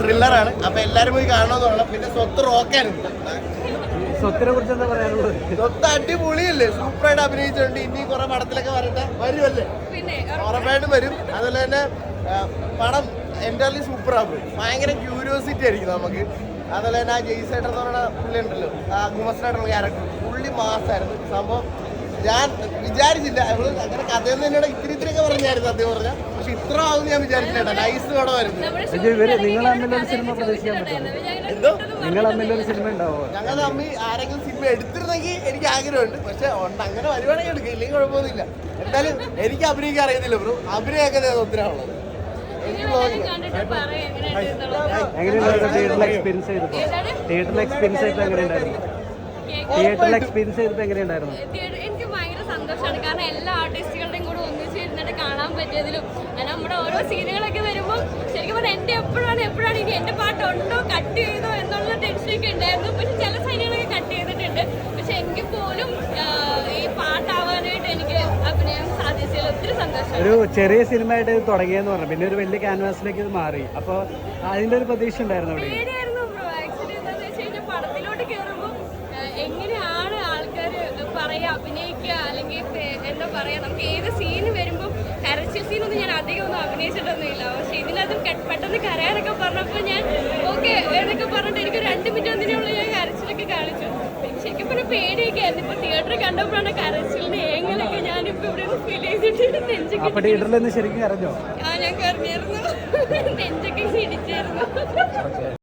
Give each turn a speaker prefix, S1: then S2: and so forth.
S1: ത്രില്ലറാണ്. അപ്പൊ എല്ലാരും പോയി കാണണമെന്ന് പറയണം. പിന്നെ സ്വത്ത് റോക്കാനുണ്ട്.
S2: സ്വത്തിനെ കുറിച്ച് എന്താ പറയാനുള്ളത്?
S1: സ്വത്ത് അടിപൊളിയല്ലേ, സൂപ്പറായിട്ട് അഭിനയിച്ചിട്ടുണ്ട്. ഇനി കുറെ പടത്തിലൊക്കെ വരുമല്ലേ, ഉറപ്പായിട്ടും വരും. അതുപോലെ തന്നെ പടം എൻ്റർലി സൂപ്പറാകും. ഭയങ്കര ക്യൂരിയോസിറ്റി ആയിരിക്കും നമുക്ക്. അതുപോലെ തന്നെ ആ ജെയ്സേട്ടൻ എന്ന് പറയുന്ന പുള്ളി ഉണ്ടല്ലോ, ആ ഗുമസ്റ്റായിട്ടുള്ള ക്യാരക്ടർ, പുള്ളി മാസായിരുന്നു സംഭവം. ഞാൻ വിചാരിച്ചില്ല അങ്ങനെ കഥയെന്ന് എന്നോട് ഇത്തിരിയൊക്കെ പറഞ്ഞായിരുന്നു സത്യം പറഞ്ഞാൽ. പക്ഷെ ഇത്ര ആവും ഞാൻ വിചാരിച്ചില്ല. നൈസ് പടമായിരുന്നു.
S2: നിങ്ങൾ തമ്മിലൊരു സിനിമ പ്രതീക്ഷിക്കാൻ പറ്റും?
S1: എന്തോ
S2: നിങ്ങൾ തമ്മിലൊരു സിനിമ ഉണ്ടാവോ?
S1: ഞങ്ങൾ തമ്മിൽ ആരെങ്കിലും സിനിമ എടുത്തിരുന്നെങ്കിൽ എനിക്ക് ആഗ്രഹമുണ്ട്. പക്ഷെ അങ്ങനെ വരുവാണെങ്കിൽ എടുക്കുക, ഇല്ലെങ്കിൽ കുഴപ്പമൊന്നുമില്ല. എന്തായാലും എനിക്ക് അഭിനയിക്കാൻ അറിയത്തില്ല ബ്രോ. അഭിനയൊക്കെ ഒത്തിനാണുള്ളത്.
S2: തിയേറ്ററിൽ എക്സ്പീരിയൻസ് ചെയ്തപ്പോ എങ്ങനെയുണ്ടായിരുന്നു?
S3: എനിക്ക് ഭയങ്കര സന്തോഷമാണ്. കാരണം എല്ലാ ആർട്ടിസ്റ്റുകളുടെയും കൂടെ ഒന്നിച്ചിരുന്നിട്ട് കാണാൻ പറ്റിയതിലും നമ്മുടെ ഓരോ സീനുകളൊക്കെ വരുമ്പോൾ ശരിക്കും പറഞ്ഞാൽ എൻ്റെ എപ്പോഴാണ് ഇനി എൻ്റെ പാട്ടുണ്ടോ കട്ട് ചെയ്തോ എന്നുള്ള ടെൻഷനൊക്കെ ഉണ്ടായിരുന്നു. പക്ഷെ ചില സീനുകളൊക്കെ കട്ട് ചെയ്തിട്ടുണ്ട്. പക്ഷെ എങ്കിൽ പോലും ഈ പാട്ടാവാനായിട്ട് എനിക്ക് അഭിനയം സാധിച്ചതിൽ ഒത്തിരി സന്തോഷം.
S2: ഒരു ചെറിയ സിനിമ ആയിട്ട് തുടങ്ങിയെന്ന് പറഞ്ഞു, പിന്നെ ഒരു വലിയ ക്യാൻവാസിലേക്ക് ഇത് മാറി. അപ്പോൾ അതിൻ്റെ ഒരു പ്രതീക്ഷ ഉണ്ടായിരുന്നു അവിടെ?
S3: പേടിയായിരുന്നു ബ്രോ. ആക്ച്വലി എന്താണെന്ന് വെച്ച് കഴിഞ്ഞാൽ പടത്തിലോട്ട് കയറുമ്പോൾ എങ്ങനെയാണ് ആൾക്കാർ പറയുക, അഭിനയിക്കുക, അല്ലെങ്കിൽ എന്താ പറയുക, നമുക്ക് ഏത് സീന് വരുമ്പോൾ കരച്ചിൽ സീനൊന്നും ഞാൻ അധികം ഒന്നും അഭിനയിച്ചിട്ടൊന്നുമില്ല. പക്ഷെ ഇതിനകത്ത് പെട്ടെന്ന് കരയാനൊക്കെ പറഞ്ഞപ്പോൾ ഞാൻ ഓക്കെ എന്നൊക്കെ പറഞ്ഞിട്ട് എനിക്ക് 2 മിനിറ്റ് ഒന്നിനുള്ള ഞാൻ കരച്ചിലൊക്കെ കാണിച്ചു. ശരിക്കും പറഞ്ഞാൽ പേടിയൊക്കെ ആയിരുന്നു. ഇപ്പൊ തിയേറ്ററിൽ കണ്ടപ്പോഴാണ് കരച്ചിലിന്റെ ഏങ്ങലൊക്കെ ഞാനിപ്പോ ഇവിടെ ഫീൽ ചെയ്തിട്ട് നെഞ്ചൊക്കെ
S2: ശരിക്കും അറിഞ്ഞോ?
S3: ഞാൻ കരഞ്ഞായിരുന്നു. നെഞ്ചൊക്കെ ഇടിച്ചായിരുന്നു.